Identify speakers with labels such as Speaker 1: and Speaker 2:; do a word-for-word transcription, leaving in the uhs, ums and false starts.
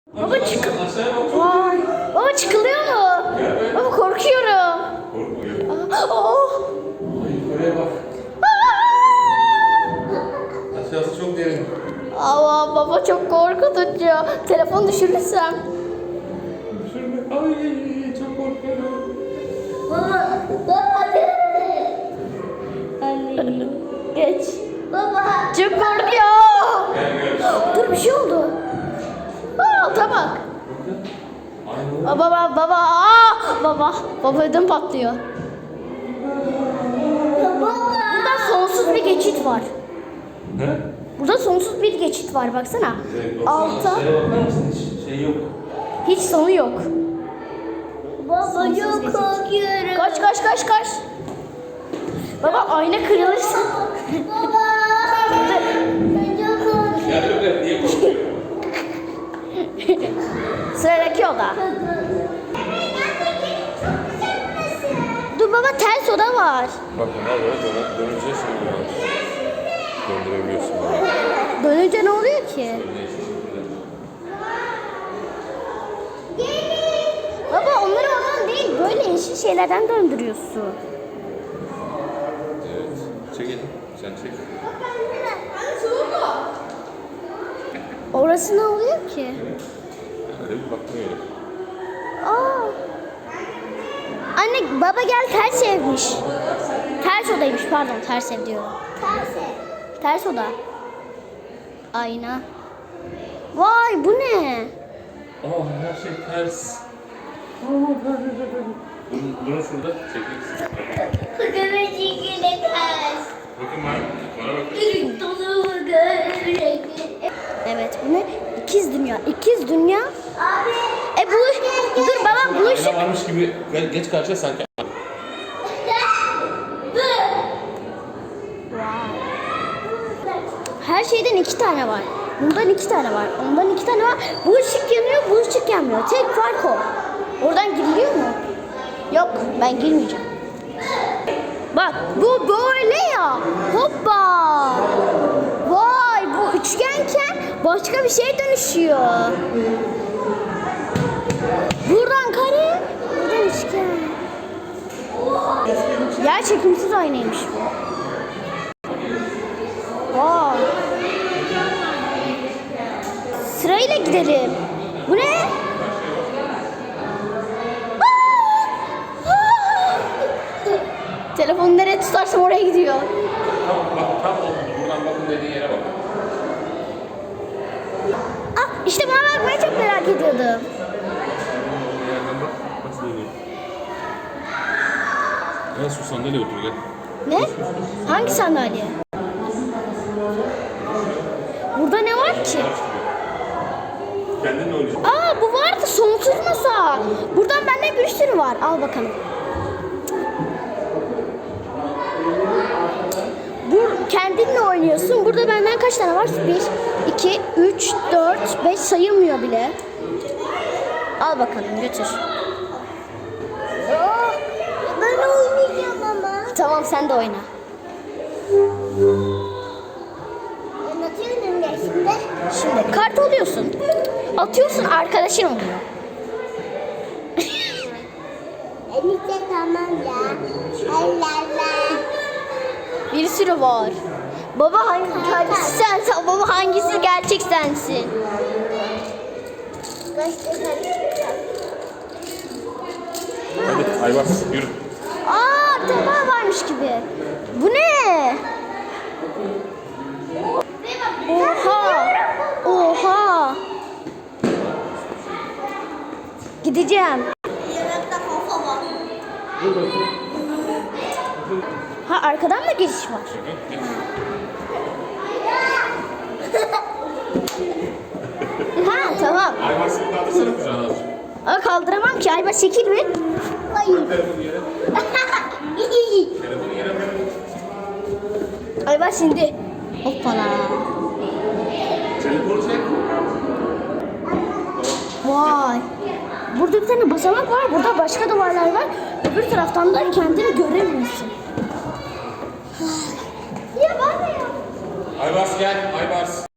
Speaker 1: Baba çık. Vay. Baba çıkılıyor mu? Baba korkuyorum.
Speaker 2: Korkma yok.
Speaker 1: Oh.
Speaker 2: Ay oraya bak. Aşağısı çok derin.
Speaker 1: Aa, baba çok korkutucu. Telefon düşürürsem.
Speaker 2: Düşürme. Ay çok korkuyorum.
Speaker 1: Baba. Baba. Anne. Geç. Baba. Çok korkuyor.
Speaker 2: Gel gel.
Speaker 1: Dur bir şey oldu. Aa, alta bak.
Speaker 2: Aynen.
Speaker 1: Aa, baba baba. Aa, baba. Baba ödüm patlıyor. Burada sonsuz bir geçit var.
Speaker 2: Ne?
Speaker 1: Burada sonsuz bir geçit var baksana. Alta
Speaker 2: Şeye bakar mısın? Hiç şey yok.
Speaker 1: hiç sonu yok.
Speaker 3: Baba çok korkuyorum.
Speaker 1: Kaç kaç kaç kaç. Baba ayna kırılırsa.
Speaker 3: Baba. Ben çok korkuyorum.
Speaker 2: Ya öyle niye korkuyorsun?
Speaker 1: Sıradaki oda. Dur baba ters oda var.
Speaker 2: Bak bunlar böyle dön dönünce şimdi var. Döndürebiliyorsun böyle.
Speaker 1: Dönünce ne oluyor ki?
Speaker 2: Değişik şekilde.
Speaker 1: Baba onları oradan değil böyle yeşil şeylerden döndürüyorsun.
Speaker 2: Evet. Çekelim. Sen çek.
Speaker 1: Orası ne oluyor ki?
Speaker 2: Öyle bir bakmıyorum.
Speaker 1: Aa. Anne baba gel ters evmiş. Ters odaymış pardon ters ev diyorum. Ters oda. Ayna. Vay bu ne?
Speaker 2: Aa her şey ters. Durun, durun şurada. Çekilsin.
Speaker 3: Kızımın şekli ters.
Speaker 2: Bakın bana. Bana bakın.
Speaker 3: Dolu görecek.
Speaker 1: Evet bu ne? İkiz dünya. İkiz dünya.
Speaker 3: Abi.
Speaker 1: E buluş. Dur baba buluşuk.
Speaker 2: Ayna varmış gibi ge- geç karşıya sanki.
Speaker 1: Her şeyden iki tane var. Bundan iki tane var. Ondan iki tane var. Bu ışık yanıyor, bu ışık yanmıyor. Tek fark o. Oradan giriliyor mu? Yok, ben girmeyeceğim. Bak, bu böyle ya. Hoppa. Vay, bu üçgenken başka bir şeye dönüşüyor. Buradan kare, buradan üçgen. Yer çekimsiz aynaymış bu. Vay. Sırayla gidelim. Bu ne? Aa! Aa! Telefonu nereye tutarsam oraya gidiyor.
Speaker 2: Tam bak tam oldu. Buradan bakın dediğin yere bak.
Speaker 1: Ah, işte bana bakmayı çok merak ediyordum.
Speaker 2: Bir yerden bak. Nasıl dönüyor? Gel şu sandalyeye otur gel.
Speaker 1: Ne? Hangi sandalye? Burada ne var ki?
Speaker 2: Kendin de oynayacaksın.
Speaker 1: Aa bu vardı sonsuz masa. Buradan bende bir sürü var. Al bakalım. Bu kendinle oynuyorsun. Burada benden kaç tane var? bir, iki, üç, dört, beş sayılmıyor bile. Al bakalım götür.
Speaker 3: Oh, ben oynayacağım ama.
Speaker 1: Tamam sen de oyna.
Speaker 3: Anlatıyorum ya şimdi.
Speaker 1: Şimdi kart alıyorsun. Atıyorsun arkadaşın oluyor.
Speaker 3: Enişte tamam ya. Allah Allah.
Speaker 1: Bir sürü var. Baba hangi hangisi sensin? Baba hangisi gerçek sensin?
Speaker 3: Kaçtı kaçtı.
Speaker 2: Hadi Aybars yürü.
Speaker 1: Aa bir tane daha varmış gibi. Bu ne? Oha. Oha. Gideceğim.
Speaker 3: Yanakta kafa var.
Speaker 1: Ha arkadan da geçiş var. Ha tamam.
Speaker 2: Aybars'ı kaldırsana kucağına azıcık.
Speaker 1: Ama kaldıramam ki. Ayba çekil bir.
Speaker 3: Hayır.
Speaker 2: Telefonu yere. Telefonu yere bırak.
Speaker 1: Ayba şimdi. Hoppala.
Speaker 2: Telefonu çek.
Speaker 1: Vay. Burada bir tane basamak var. Burada başka duvarlar var. Öbür taraftan da kendini göremiyorsun.
Speaker 3: Ya ben de ya.
Speaker 2: Aybars gel. Aybars.